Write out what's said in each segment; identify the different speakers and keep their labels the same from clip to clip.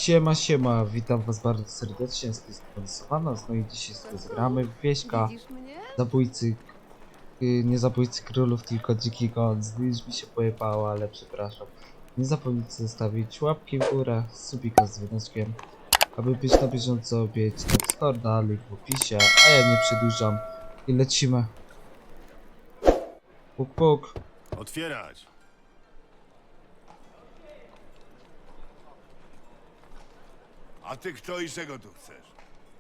Speaker 1: Siema, siema, witam was bardzo serdecznie, z tej strony Sowanos, no i dzisiaj sobie zagramy w Wieśka,
Speaker 2: Widzisz mnie?
Speaker 1: zabójcy, nie zabójcy królów, tylko dziki gon. Już mi się pojebało, ale przepraszam. Nie zapomnijcie zostawić łapki w górę, subika z dzwoneczkiem, aby być na bieżąco, bieć na Discorda, link w opisie, a ja nie przedłużam i lecimy. Puk puk.
Speaker 3: Otwierać!
Speaker 4: A ty kto i czego tu chcesz?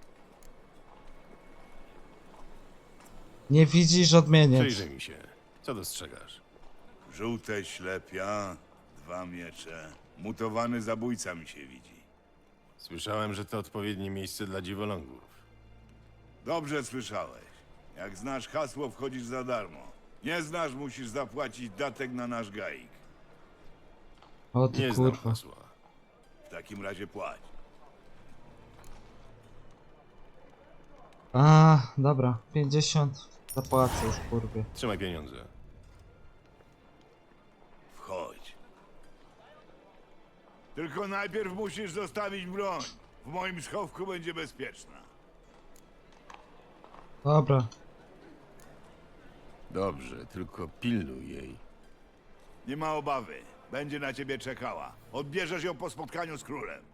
Speaker 1: Nie widzisz, odmieniec.
Speaker 3: Przyjrzyj mi się. Co dostrzegasz?
Speaker 4: Żółte ślepia, 2 miecze. Mutowany zabójca mi się widzi.
Speaker 3: Słyszałem, że to odpowiednie miejsce dla dziwolągów.
Speaker 4: Dobrze słyszałeś. Jak znasz hasło, wchodzisz za darmo. Nie znasz, musisz zapłacić datek na nasz gaik.
Speaker 1: O ty
Speaker 3: Nie znam
Speaker 1: kurwa.
Speaker 3: hasła.
Speaker 4: W takim razie płać.
Speaker 1: A, dobra, 50 zapłacę już kurwie.
Speaker 3: Trzymaj pieniądze.
Speaker 4: Wchodź. Tylko najpierw musisz zostawić broń. W moim schowku będzie bezpieczna.
Speaker 1: Dobra.
Speaker 3: Dobrze, tylko pilnuj jej.
Speaker 4: Nie ma obawy. Będzie na ciebie czekała. Odbierzesz ją po spotkaniu z królem.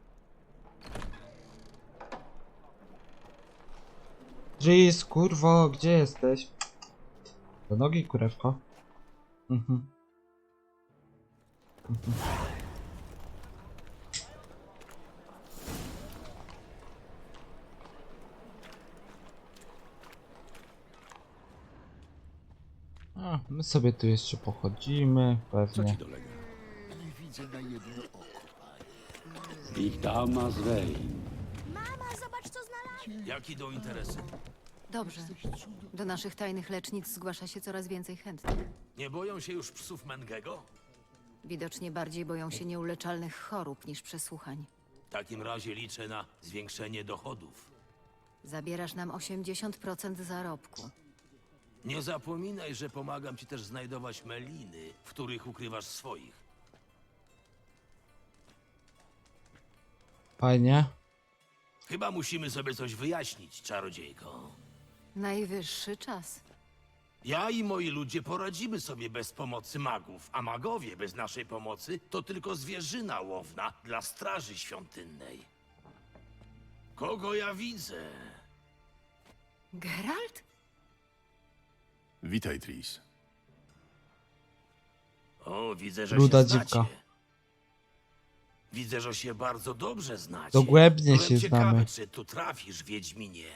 Speaker 1: Jeez, kurwo, gdzie jesteś? Do nogi, kurewko. Mhm. A, my sobie tu jeszcze pochodzimy,
Speaker 3: Co ci
Speaker 1: pewnie.
Speaker 3: dolega?
Speaker 5: Ich dama zwej.
Speaker 2: Mama, zobacz co znalazłem.
Speaker 6: Jak idą interesy?
Speaker 7: Dobrze. Do naszych tajnych lecznic zgłasza się coraz więcej chętnych.
Speaker 6: Nie boją się już psów Mengego?
Speaker 7: Widocznie bardziej boją się nieuleczalnych chorób niż przesłuchań.
Speaker 6: W takim razie liczę na zwiększenie dochodów.
Speaker 7: Zabierasz nam 80% zarobku.
Speaker 6: Nie zapominaj, że pomagam ci też znajdować meliny, w których ukrywasz swoich.
Speaker 1: Fajnie.
Speaker 6: Chyba musimy sobie coś wyjaśnić, czarodziejko.
Speaker 7: Najwyższy czas.
Speaker 6: Ja i moi ludzie poradzimy sobie bez pomocy magów, a magowie bez naszej pomocy to tylko zwierzyna łowna dla straży świątynnej. Kogo ja widzę?
Speaker 7: Geralt?
Speaker 3: Witaj, Tris.
Speaker 6: O, widzę, że
Speaker 1: Ruda
Speaker 6: się znacie.
Speaker 1: dziwka.
Speaker 6: Widzę, że się bardzo dobrze znacie.
Speaker 1: Dogłębnie
Speaker 6: Byłem
Speaker 1: się
Speaker 6: ciekawy,
Speaker 1: znamy.
Speaker 6: czy tu trafisz, Wiedźminie.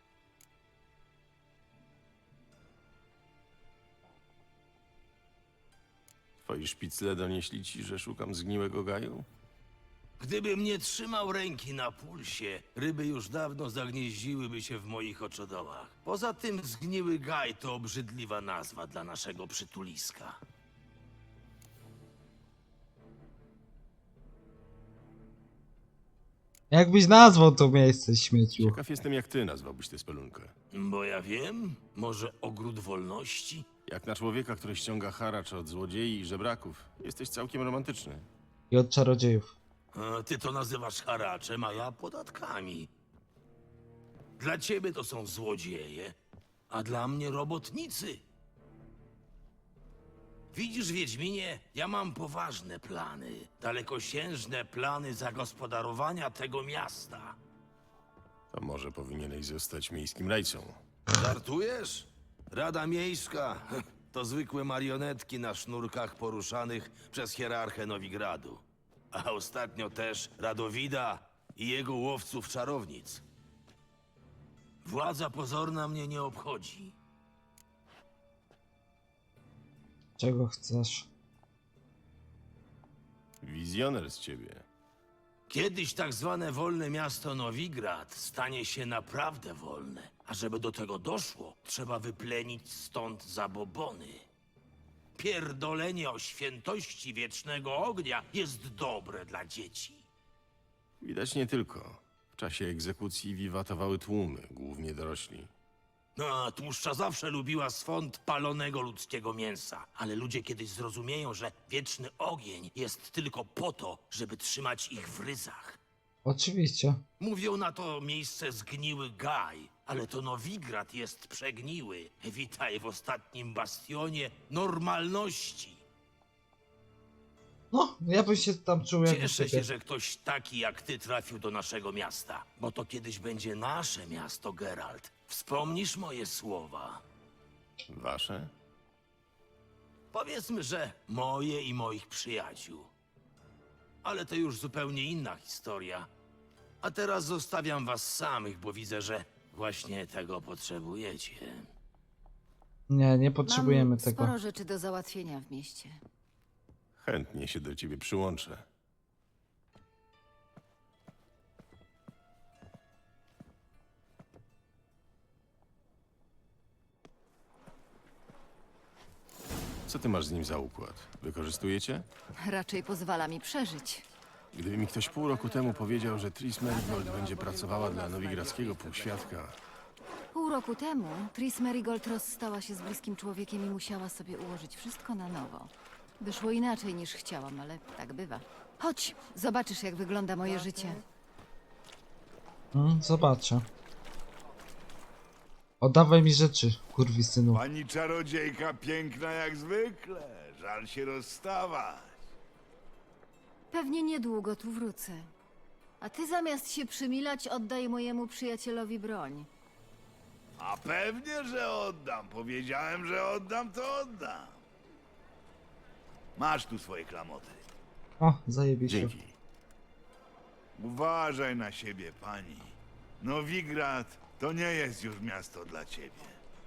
Speaker 3: Twoi szpicle donieśli ci, że szukam zgniłego gaju?
Speaker 6: Gdybym nie trzymał ręki na pulsie, ryby już dawno zagnieździłyby się w moich oczodołach. Poza tym zgniły gaj to obrzydliwa nazwa dla naszego przytuliska.
Speaker 1: Jakbyś nazwał to miejsce, śmieciu.
Speaker 3: Ciekaw jestem, jak ty nazwałbyś tę spelunkę.
Speaker 6: Bo ja wiem, może ogród wolności?
Speaker 3: Jak na człowieka, który ściąga haracz od złodziei i żebraków, jesteś całkiem romantyczny.
Speaker 1: I od czarodziejów.
Speaker 6: A ty to nazywasz haraczem, a ja podatkami. Dla ciebie to są złodzieje, a dla mnie robotnicy. Widzisz, Wiedźminie, ja mam poważne plany, dalekosiężne plany zagospodarowania tego miasta.
Speaker 3: To może powinieneś zostać miejskim rajcą.
Speaker 6: Żartujesz? Rada Miejska to zwykłe marionetki na sznurkach poruszanych przez hierarchę Nowigradu. A ostatnio też Radowida i jego łowców czarownic. Władza pozorna mnie nie obchodzi.
Speaker 1: Czego chcesz?
Speaker 3: Wizjoner z ciebie.
Speaker 6: Kiedyś tak zwane wolne miasto Nowigrad stanie się naprawdę wolne. A żeby do tego doszło, trzeba wyplenić stąd zabobony. Pierdolenie o świętości wiecznego ognia jest dobre dla dzieci.
Speaker 3: Widać nie tylko. W czasie egzekucji wiwatowały tłumy, głównie dorośli.
Speaker 6: No, a tłuszcza zawsze lubiła swąd palonego ludzkiego mięsa. Ale ludzie kiedyś zrozumieją, że wieczny ogień jest tylko po to, żeby trzymać ich w ryzach.
Speaker 1: Oczywiście.
Speaker 6: Mówią na to miejsce zgniły Gaj, ale to Nowigrad jest przegniły. Witaj w ostatnim bastionie normalności.
Speaker 1: No, ja bym się tam czuł jak u
Speaker 6: Cieszę się,
Speaker 1: siebie.
Speaker 6: że ktoś taki jak ty trafił do naszego miasta, bo to kiedyś będzie nasze miasto, Geralt. Wspomnisz moje słowa?
Speaker 3: Wasze?
Speaker 6: Powiedzmy, że moje i moich przyjaciół. Ale to już zupełnie inna historia. A teraz zostawiam was samych, bo widzę, że właśnie tego potrzebujecie.
Speaker 1: Nie potrzebujemy
Speaker 7: Mam
Speaker 1: tego.
Speaker 7: sporo rzeczy do załatwienia w mieście.
Speaker 3: Chętnie się do ciebie przyłączę. Co ty masz z nim za układ? Wykorzystujecie?
Speaker 7: Raczej pozwala mi przeżyć.
Speaker 3: Gdyby mi ktoś pół roku temu powiedział, że Tris Merigold będzie pracowała dla nowigradzkiego półświadka,
Speaker 7: Pół roku temu Tris Merigold rozstała się z bliskim człowiekiem i musiała sobie ułożyć wszystko na nowo. Wyszło inaczej niż chciałam, ale tak bywa. Chodź, zobaczysz jak wygląda moje życie.
Speaker 1: Zobaczę. Oddawaj mi rzeczy, kurwisynu.
Speaker 4: Pani czarodziejka piękna jak zwykle. Żal się rozstawać.
Speaker 7: Pewnie niedługo tu wrócę. A ty zamiast się przymilać, oddaj mojemu przyjacielowi broń.
Speaker 4: A pewnie, że oddam. Powiedziałem, że oddam, to oddam. Masz tu swoje klamoty.
Speaker 1: O, zajebiście.
Speaker 3: dzięki.
Speaker 4: Uważaj na siebie, pani. Nowigrad to nie jest już miasto dla ciebie.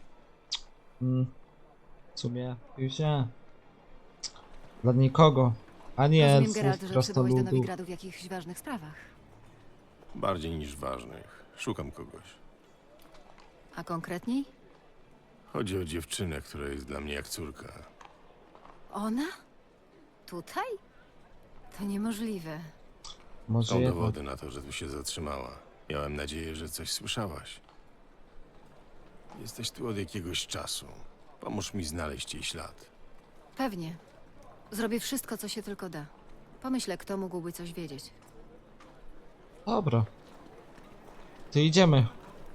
Speaker 1: W sumie już nie. Dla nikogo. Ani
Speaker 7: Rozumiem,
Speaker 1: elfów,
Speaker 7: Geralt, że przybyłeś do
Speaker 1: krasnoludów.
Speaker 7: Nowigradu w jakichś ważnych sprawach.
Speaker 3: Bardziej niż ważnych. Szukam kogoś.
Speaker 7: A konkretniej?
Speaker 3: Chodzi o dziewczynę, która jest dla mnie jak córka.
Speaker 7: Ona? Tutaj? To niemożliwe.
Speaker 1: Może
Speaker 3: Są
Speaker 1: jednak.
Speaker 3: dowody na to, że tu się zatrzymała. Miałem nadzieję, że coś słyszałaś. Jesteś tu od jakiegoś czasu. Pomóż mi znaleźć jej ślad.
Speaker 7: Pewnie. Zrobię wszystko, co się tylko da. Pomyślę, kto mógłby coś wiedzieć.
Speaker 1: Dobra. To idziemy.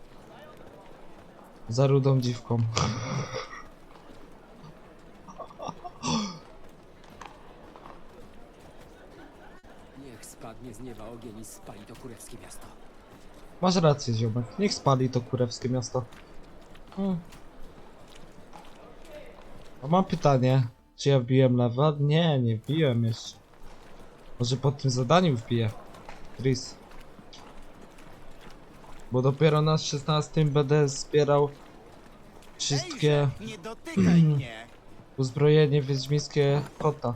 Speaker 1: Za rudą dziwką.
Speaker 8: Niech spadnie z nieba ogień i spali to kurewskie miasto.
Speaker 1: Masz rację, ziomek. Niech spali to kurewskie miasto. A mam pytanie. Czy ja wbiłem lewa? Nie wbiłem jeszcze. Może po tym zadaniu wbiję. Tris. Bo dopiero na 16 będę zbierał wszystkie
Speaker 9: Nie dotykaj mnie!
Speaker 1: uzbrojenie wiedźmińskie kota.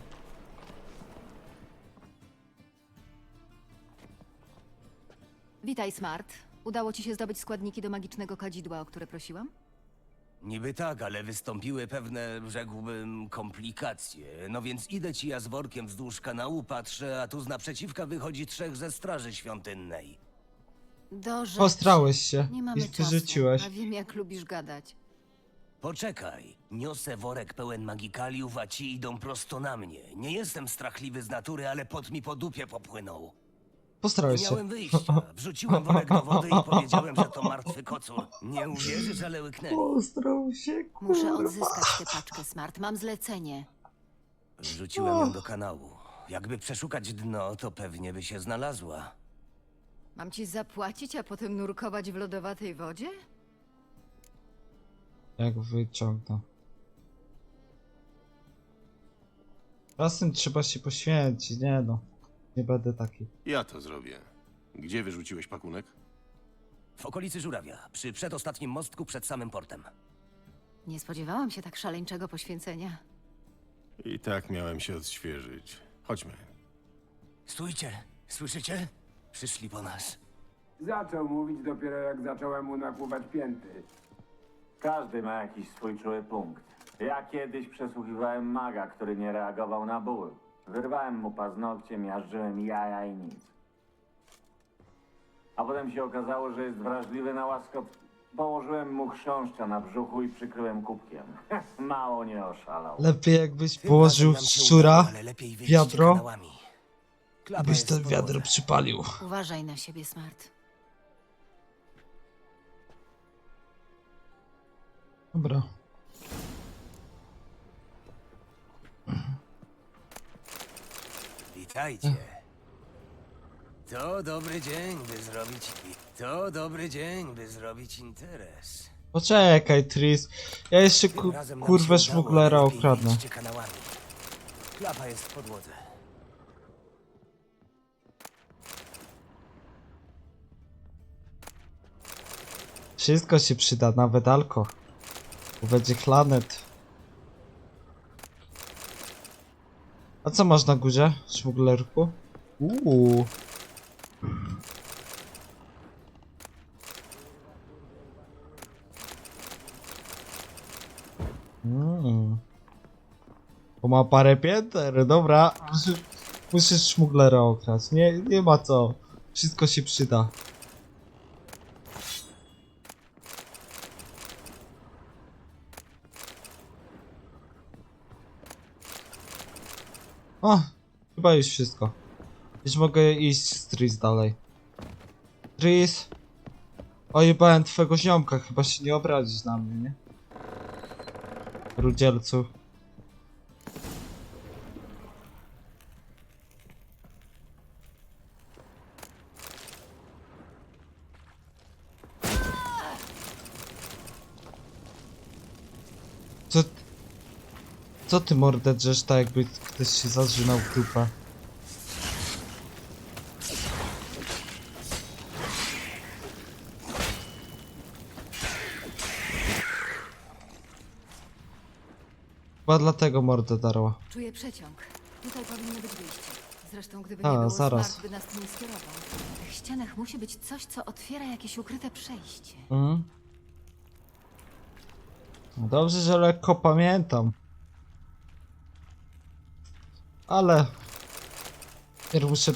Speaker 7: Witaj, Smart. Udało ci się zdobyć składniki do magicznego kadzidła, o które prosiłam?
Speaker 10: Niby tak, ale wystąpiły pewne, rzekłbym, komplikacje. No więc idę ci ja z workiem wzdłuż kanału, patrzę, a tu z naprzeciwka wychodzi 3 ze straży świątynnej.
Speaker 7: Do rzeczy.
Speaker 1: Postrałeś się
Speaker 7: Nie
Speaker 1: i
Speaker 7: mamy czasu,
Speaker 1: wyrzuciłeś.
Speaker 7: a wiem, jak lubisz gadać.
Speaker 10: Poczekaj, niosę worek pełen magikaliów, a ci idą prosto na mnie. Nie jestem strachliwy z natury, ale pot mi po dupie popłynął.
Speaker 1: Postrałeś
Speaker 10: Nie
Speaker 1: się.
Speaker 10: miałem wyjścia. Wrzuciłem worek do wody i powiedziałem, że to martwy kocur. Nie uwierzysz, ale łyknęli.
Speaker 1: Postrał się,
Speaker 7: Muszę odzyskać tę paczkę, Smart. Mam zlecenie.
Speaker 10: Wrzuciłem ją do kanału. Jakby przeszukać dno, to pewnie by się znalazła.
Speaker 7: Mam ci zapłacić, a potem nurkować w lodowatej wodzie?
Speaker 1: Jak wyciągnę. Czasem trzeba się poświęcić, nie no. Nie będę taki.
Speaker 3: Ja to zrobię. Gdzie wyrzuciłeś pakunek?
Speaker 10: W okolicy Żurawia, przy przedostatnim mostku przed samym portem.
Speaker 7: Nie spodziewałam się tak szaleńczego poświęcenia.
Speaker 3: I tak miałem się odświeżyć. Chodźmy.
Speaker 10: Stójcie, słyszycie? Przyszli po nas.
Speaker 11: Zaczął mówić dopiero jak zacząłem mu nakłuwać pięty.
Speaker 12: Każdy ma jakiś swój czuły punkt. Ja kiedyś przesłuchiwałem maga, który nie reagował na ból. Wyrwałem mu paznokcie, miażdżyłem jaja i nic. A potem się okazało, że jest wrażliwy na łaskot. Położyłem mu chrząszcza na brzuchu i przykryłem kubkiem. Mało nie oszalał.
Speaker 1: Lepiej jakbyś
Speaker 10: Tym
Speaker 1: położył
Speaker 10: razem nam się
Speaker 1: szczura,
Speaker 10: udało, ale lepiej wyjść
Speaker 1: wiadro
Speaker 10: kanałami. Klapa
Speaker 1: Byś
Speaker 10: jest
Speaker 1: ten
Speaker 10: pod
Speaker 1: wiadro
Speaker 10: wodę.
Speaker 1: przypalił.
Speaker 7: Uważaj na siebie, Smart.
Speaker 1: Dobra.
Speaker 10: Witajcie. To dobry dzień, by zrobić... To dobry dzień, by zrobić interes.
Speaker 1: Poczekaj, Tris. Ja jeszcze
Speaker 10: Tym razem nam
Speaker 1: kurwę
Speaker 10: się udało,
Speaker 1: szmuglera
Speaker 10: lepiej
Speaker 1: okradnę.
Speaker 10: idźcie kanałami. Klapa jest w podłodze.
Speaker 1: Wszystko się przyda, nawet alko. Bo będzie chlanet. A co masz na górze, szmuglerku? Bo ma parę pięter, dobra. Musisz szmuglera okraść. Nie ma co. Wszystko się przyda. O, chyba już wszystko. Już mogę iść z Tris dalej. Tris. Ojebałem twego ziomka, chyba się nie obrazić na mnie, nie? Rudzielcu. Co ty mordę drzesz tak jakby ktoś się zażynał w dupę? Chyba dlatego mordę darła.
Speaker 7: Czuję przeciąg. Tutaj powinno być wyjście. Zresztą, gdyby
Speaker 1: A,
Speaker 7: nie było
Speaker 1: zaraz.
Speaker 7: Smart, by nas tu nie skierował. W tych ścianach musi być coś, co otwiera jakieś ukryte przejście.
Speaker 1: Mhm. No dobrze, że lekko pamiętam. Ale... Pierw muszę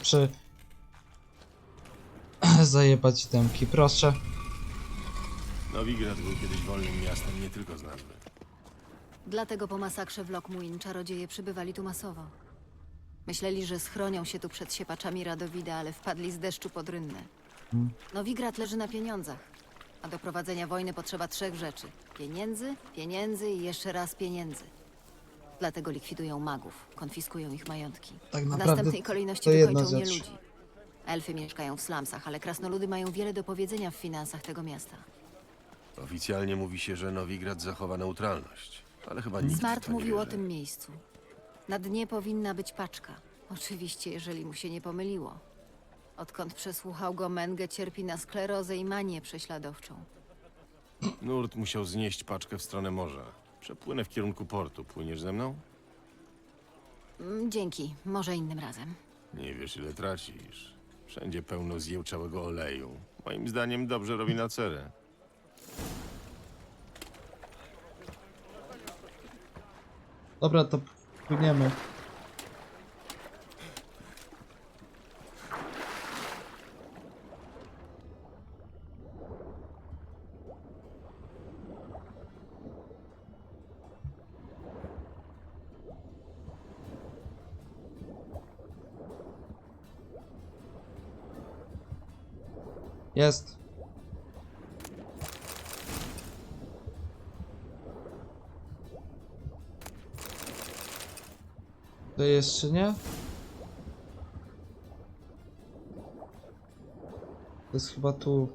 Speaker 1: zajebać temki, proszę.
Speaker 3: Nowigrad był kiedyś wolnym miastem nie tylko z nazwy.
Speaker 7: Dlatego po masakrze w Lockmuin czarodzieje przybywali tu masowo. Myśleli, że schronią się tu przed siepaczami Radowida, ale wpadli z deszczu pod rynnę. Nowigrad leży na pieniądzach, a do prowadzenia wojny potrzeba 3 rzeczy. Pieniędzy, pieniędzy i jeszcze raz pieniędzy. Dlatego likwidują magów, konfiskują ich majątki.
Speaker 1: Tak
Speaker 7: W
Speaker 1: naprawdę
Speaker 7: następnej kolejności
Speaker 1: to jedna
Speaker 7: wykończą
Speaker 1: rzecz.
Speaker 7: nieludzi. Elfy mieszkają w slumsach, ale krasnoludy mają wiele do powiedzenia w finansach tego miasta.
Speaker 3: Oficjalnie mówi się, że Nowigrad zachowa neutralność, ale chyba nikt w
Speaker 7: Smart
Speaker 3: to nie
Speaker 7: mówił o
Speaker 3: wierzy.
Speaker 7: tym miejscu. Na dnie powinna być paczka. Oczywiście, jeżeli mu się nie pomyliło. Odkąd przesłuchał go, Menge cierpi na sklerozę i manię prześladowczą.
Speaker 3: Nurt musiał znieść paczkę w stronę morza. Przepłynę w kierunku portu. Płyniesz ze mną?
Speaker 7: Dzięki, może innym razem.
Speaker 3: Nie wiesz, ile tracisz. Wszędzie pełno zjełczałego oleju. Moim zdaniem dobrze robi na cerę.
Speaker 1: Dobra, to płyniemy. Jest. To jeszcze nie? To jest chyba tu.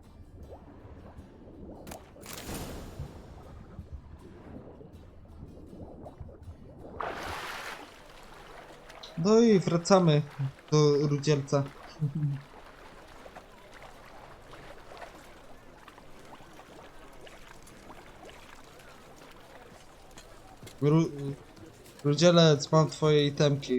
Speaker 1: No i wracamy do Rudzielca. Rudzielec, mam twoje itemki.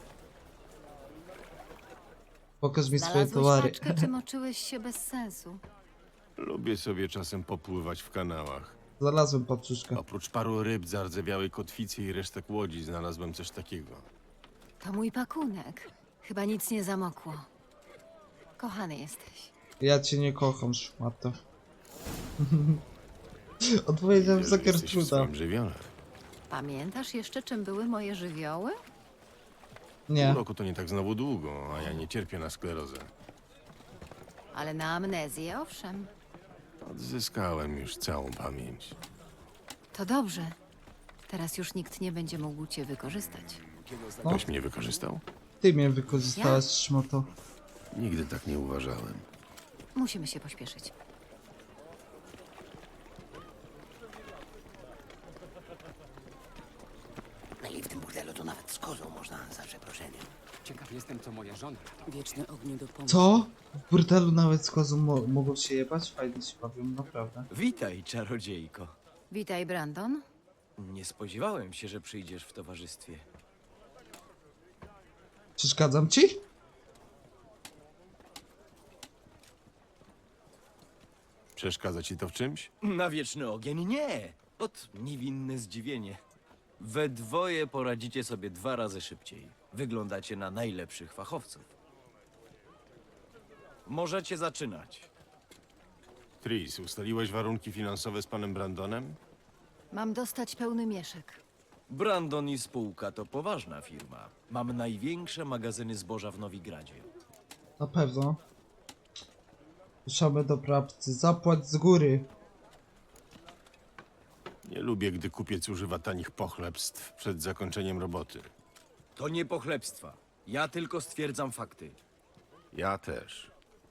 Speaker 1: Pokaż mi swoje
Speaker 7: Znalazłeś
Speaker 1: towary.
Speaker 7: paczkę, czy moczyłeś się bez sensu?
Speaker 3: Lubię sobie czasem popływać w kanałach.
Speaker 1: Znalazłem paczuszkę.
Speaker 3: Oprócz paru ryb, zardzewiałej kotwicy i resztek łodzi znalazłem coś takiego.
Speaker 7: To mój pakunek. Chyba nic nie zamokło. Kochany jesteś.
Speaker 1: Ja cię nie kocham, szmato. Odpowiedziałem
Speaker 3: Wiesz,
Speaker 1: za
Speaker 3: że jesteś w
Speaker 1: Gertruda.
Speaker 3: swoim żywiole.
Speaker 7: Pamiętasz jeszcze, czym były moje żywioły?
Speaker 1: Nie.
Speaker 3: Pół roku to nie tak znowu długo, a ja nie cierpię na sklerozę.
Speaker 7: Ale na amnezję, owszem.
Speaker 3: Odzyskałem już całą pamięć.
Speaker 7: To dobrze. Teraz już nikt nie będzie mógł cię wykorzystać.
Speaker 3: Ktoś mnie wykorzystał?
Speaker 1: Ty mnie wykorzystałaś, szmato.
Speaker 3: Nigdy tak nie uważałem.
Speaker 7: Musimy się pośpieszyć.
Speaker 8: No i w tym burdelu to nawet z kozą można za przeproszeniem. Ciekaw jestem, co moja żona. Wieczne ognie do pomocy.
Speaker 1: Co? W burdelu nawet z kozą mogą się jebać? Fajnie się bawią, naprawdę.
Speaker 9: Witaj, czarodziejko.
Speaker 7: Witaj, Brandon.
Speaker 9: Nie spodziewałem się, że przyjdziesz w towarzystwie.
Speaker 1: Przeszkadzam ci?
Speaker 3: Przeszkadza ci to w czymś?
Speaker 9: Na wieczny ogień nie! Ot niewinne zdziwienie. We dwoje poradzicie sobie 2 razy szybciej. Wyglądacie na najlepszych fachowców. Możecie zaczynać.
Speaker 3: Tris, ustaliłeś warunki finansowe z panem Brandonem?
Speaker 7: Mam dostać pełny mieszek.
Speaker 9: Brandon i spółka to poważna firma. Mam największe magazyny zboża w Nowigradzie.
Speaker 1: Na pewno. Ruszamy do prawcy. Zapłać z góry.
Speaker 3: Nie lubię, gdy kupiec używa tanich pochlebstw przed zakończeniem roboty.
Speaker 9: To nie pochlebstwa. Ja tylko stwierdzam fakty.
Speaker 3: Ja też.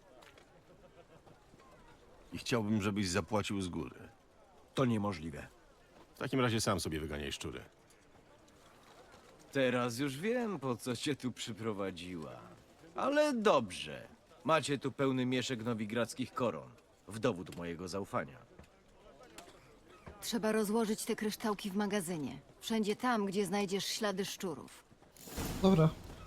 Speaker 3: I chciałbym, żebyś zapłacił z góry.
Speaker 9: To niemożliwe.
Speaker 3: W takim razie sam sobie wyganiaj szczury.
Speaker 9: Teraz już wiem, po co cię tu przyprowadziła. Ale dobrze. Macie tu pełny mieszek nowigradzkich koron. W dowód mojego zaufania.
Speaker 7: Trzeba rozłożyć te kryształki w magazynie. Wszędzie tam, gdzie znajdziesz ślady szczurów.
Speaker 1: Dobra.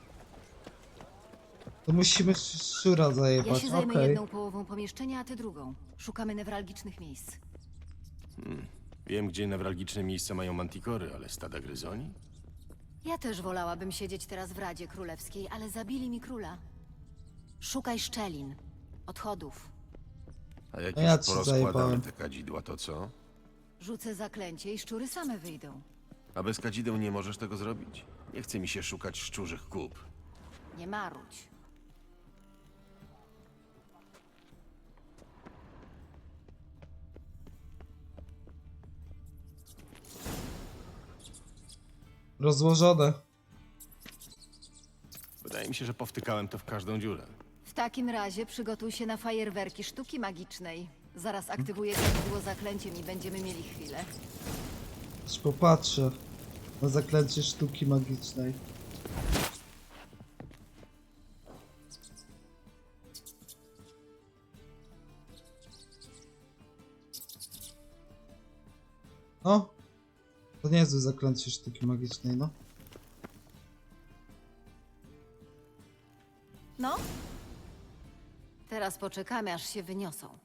Speaker 1: To musimy szczura
Speaker 7: Ja
Speaker 1: zajebać,
Speaker 7: się zajmę
Speaker 1: okej.
Speaker 7: jedną połową pomieszczenia, a ty drugą. Szukamy newralgicznych miejsc.
Speaker 3: Wiem, gdzie newralgiczne miejsca mają mantikory, ale stada gryzoni?
Speaker 7: Ja też wolałabym siedzieć teraz w Radzie Królewskiej, ale zabili mi króla. Szukaj szczelin, odchodów.
Speaker 3: A jak
Speaker 1: A ja
Speaker 3: już
Speaker 1: ci
Speaker 3: porozkładamy
Speaker 1: zajebałem.
Speaker 3: te kadzidła, to co?
Speaker 7: Rzucę zaklęcie i szczury same wyjdą.
Speaker 3: A bez kadzideł nie możesz tego zrobić? Nie chce mi się szukać szczurzych kup.
Speaker 7: Nie marudź.
Speaker 1: Rozłożone.
Speaker 3: Wydaje mi się, że powtykałem to w każdą dziurę.
Speaker 7: W takim razie przygotuj się na fajerwerki sztuki magicznej. Zaraz aktywuję kadzidło zaklęciem i będziemy mieli chwilę.
Speaker 1: Aż popatrzę na zaklęcie sztuki magicznej. O! To niezłe zaklęcie sztuki magicznej, no.
Speaker 7: No? Teraz poczekamy, aż się wyniosą.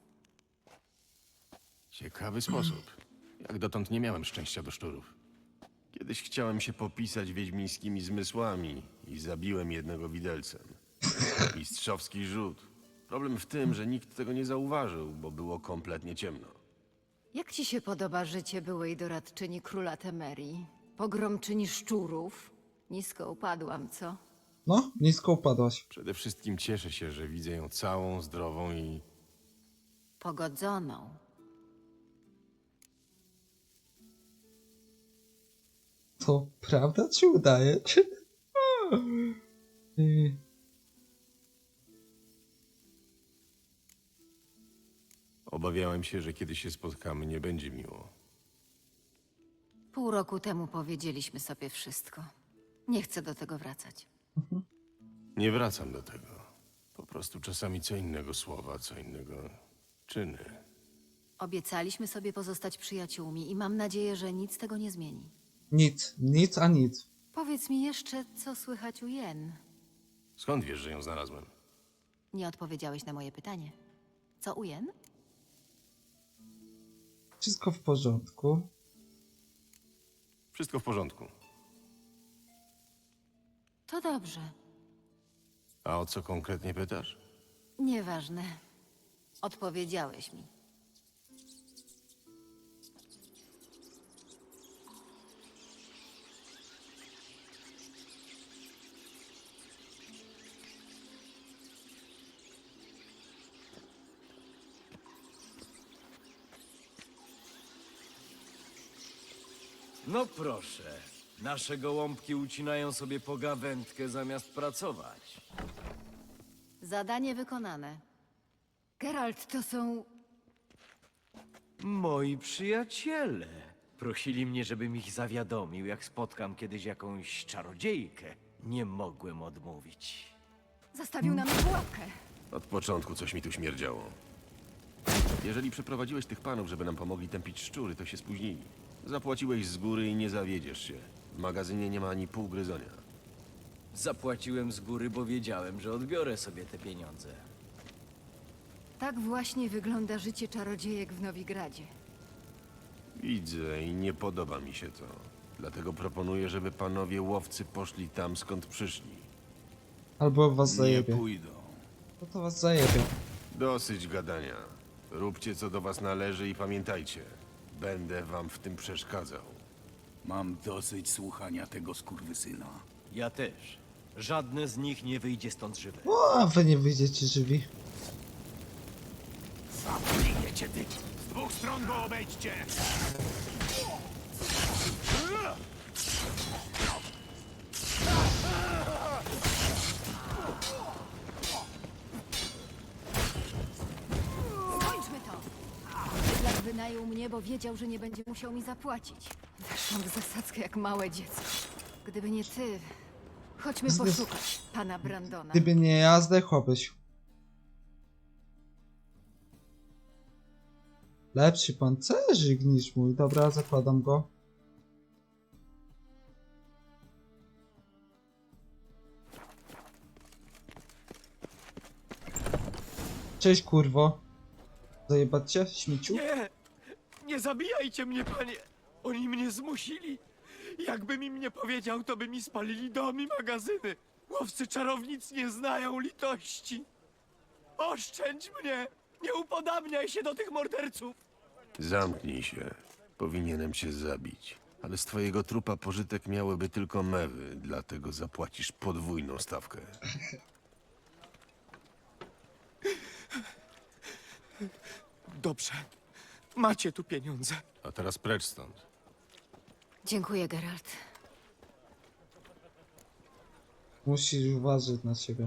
Speaker 3: Ciekawy sposób. Jak dotąd nie miałem szczęścia do szczurów. Kiedyś chciałem się popisać wiedźmińskimi zmysłami i zabiłem jednego widelcem. Mistrzowski rzut. Problem w tym, że nikt tego nie zauważył, bo było kompletnie ciemno.
Speaker 7: Jak ci się podoba życie byłej doradczyni króla Temerii? Pogromczyni szczurów? Nisko upadłam, co?
Speaker 1: No, nisko upadłaś.
Speaker 3: Przede wszystkim cieszę się, że widzę ją całą, zdrową i...
Speaker 7: Pogodzoną.
Speaker 1: To prawda czy udaje?
Speaker 3: Obawiałem się, że kiedy się spotkamy, nie będzie miło.
Speaker 7: Pół roku temu powiedzieliśmy sobie wszystko. Nie chcę do tego wracać.
Speaker 3: Nie wracam do tego. Po prostu czasami co innego słowa, co innego czyny.
Speaker 7: Obiecaliśmy sobie pozostać przyjaciółmi i mam nadzieję, że nic tego nie zmieni.
Speaker 1: Nic, nic a nic.
Speaker 7: Powiedz mi jeszcze, co słychać u Jen.
Speaker 3: Skąd wiesz, że ją znalazłem?
Speaker 7: Nie odpowiedziałeś na moje pytanie. Co u Jen?
Speaker 1: Wszystko w porządku.
Speaker 3: Wszystko w porządku.
Speaker 7: To dobrze.
Speaker 3: A o co konkretnie pytasz?
Speaker 7: Nieważne. Odpowiedziałeś mi.
Speaker 9: No proszę, nasze gołąbki ucinają sobie pogawędkę zamiast pracować.
Speaker 7: Zadanie wykonane. Geralt, to są...
Speaker 9: Moi przyjaciele prosili mnie, żebym ich zawiadomił, jak spotkam kiedyś jakąś czarodziejkę. Nie mogłem odmówić.
Speaker 7: Zastawił nam pułapkę.
Speaker 3: Od początku coś mi tu śmierdziało. Jeżeli przyprowadziłeś tych panów, żeby nam pomogli tępić szczury, to się spóźnili. Zapłaciłeś z góry i nie zawiedziesz się. W magazynie nie ma ani pół gryzonia.
Speaker 9: Zapłaciłem z góry, bo wiedziałem, że odbiorę sobie te pieniądze.
Speaker 7: Tak właśnie wygląda życie czarodziejek w Nowigradzie.
Speaker 3: Widzę i nie podoba mi się to. Dlatego proponuję, żeby panowie łowcy poszli tam, skąd przyszli.
Speaker 1: Albo was
Speaker 4: Nie
Speaker 1: zajebie.
Speaker 4: pójdą.
Speaker 1: No to was zajebie.
Speaker 3: Dosyć gadania. Róbcie, co do was należy i pamiętajcie, będę wam w tym przeszkadzał.
Speaker 4: Mam dosyć słuchania tego skurwysyna.
Speaker 9: Ja też. Żadne z nich nie wyjdzie stąd żywe.
Speaker 1: O, a wy nie wyjdziecie żywi.
Speaker 4: Zabijecie ty! Z dwóch stron go obejdźcie!
Speaker 7: Skończmy to! Bydlak wynajął mnie, bo wiedział, że nie będzie musiał mi zapłacić. Weszłam w zasadzkę jak małe dziecko. Gdyby nie ty... Chodźmy poszukać pana Brandona.
Speaker 1: Gdyby nie ja, zdechłabyś. Lepszy pancerzyk niż mój. Dobra, zakładam go. Cześć, kurwo. Zajebać cię, śmieciu?
Speaker 9: Nie! Nie zabijajcie mnie, panie! Oni mnie zmusili! Jakbym im nie powiedział, to by mi spalili dom i magazyny! Łowcy czarownic nie znają litości! Oszczędź mnie! Nie upodabniaj się do tych morderców!
Speaker 3: Zamknij się. Powinienem cię zabić. Ale z twojego trupa pożytek miałyby tylko mewy, dlatego zapłacisz podwójną stawkę.
Speaker 9: Dobrze. Macie tu pieniądze.
Speaker 3: A teraz precz stąd.
Speaker 7: Dziękuję, Geralt.
Speaker 1: Musisz uważać na siebie.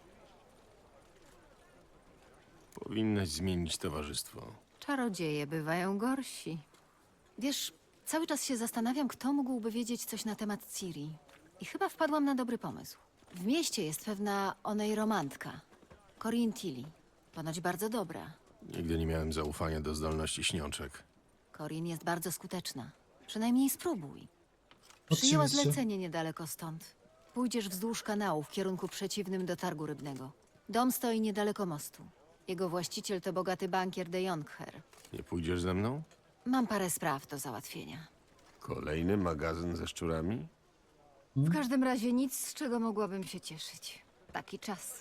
Speaker 3: Powinnaś zmienić towarzystwo.
Speaker 7: Czarodzieje bywają gorsi. Wiesz, cały czas się zastanawiam, kto mógłby wiedzieć coś na temat Ciri. I chyba wpadłam na dobry pomysł. W mieście jest pewna onejromantka. Corinne Tilly. Ponoć bardzo dobra.
Speaker 3: Nigdy nie miałem zaufania do zdolności śniączek.
Speaker 7: Corinne jest bardzo skuteczna. Przynajmniej spróbuj. Przyjęła
Speaker 1: Oczywiście.
Speaker 7: zlecenie niedaleko stąd. Pójdziesz wzdłuż kanału w kierunku przeciwnym do targu rybnego. Dom stoi niedaleko mostu. Jego właściciel to bogaty bankier de Jonkher.
Speaker 3: Nie pójdziesz ze mną?
Speaker 7: Mam parę spraw do załatwienia.
Speaker 3: Kolejny magazyn ze szczurami?
Speaker 7: W każdym razie nic, z czego mogłabym się cieszyć. Taki czas.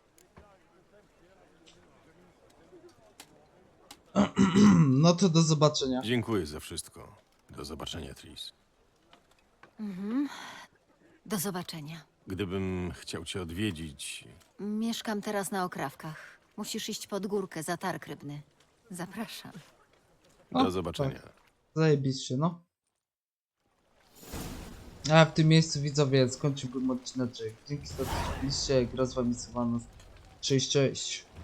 Speaker 1: No to do zobaczenia.
Speaker 3: Dziękuję za wszystko. Do zobaczenia, Tris.
Speaker 7: Do zobaczenia.
Speaker 3: Gdybym chciał cię odwiedzić,
Speaker 7: Mieszkam teraz na Okrawkach. Musisz iść pod górkę za targ rybny. Zapraszam.
Speaker 3: do zobaczenia.
Speaker 1: Zajebiście, no. A w tym miejscu, widzowie, skończyłbym odcinek. Dzięki za to, że byliście. Gra z wami Sylwanus. Cześć, cześć.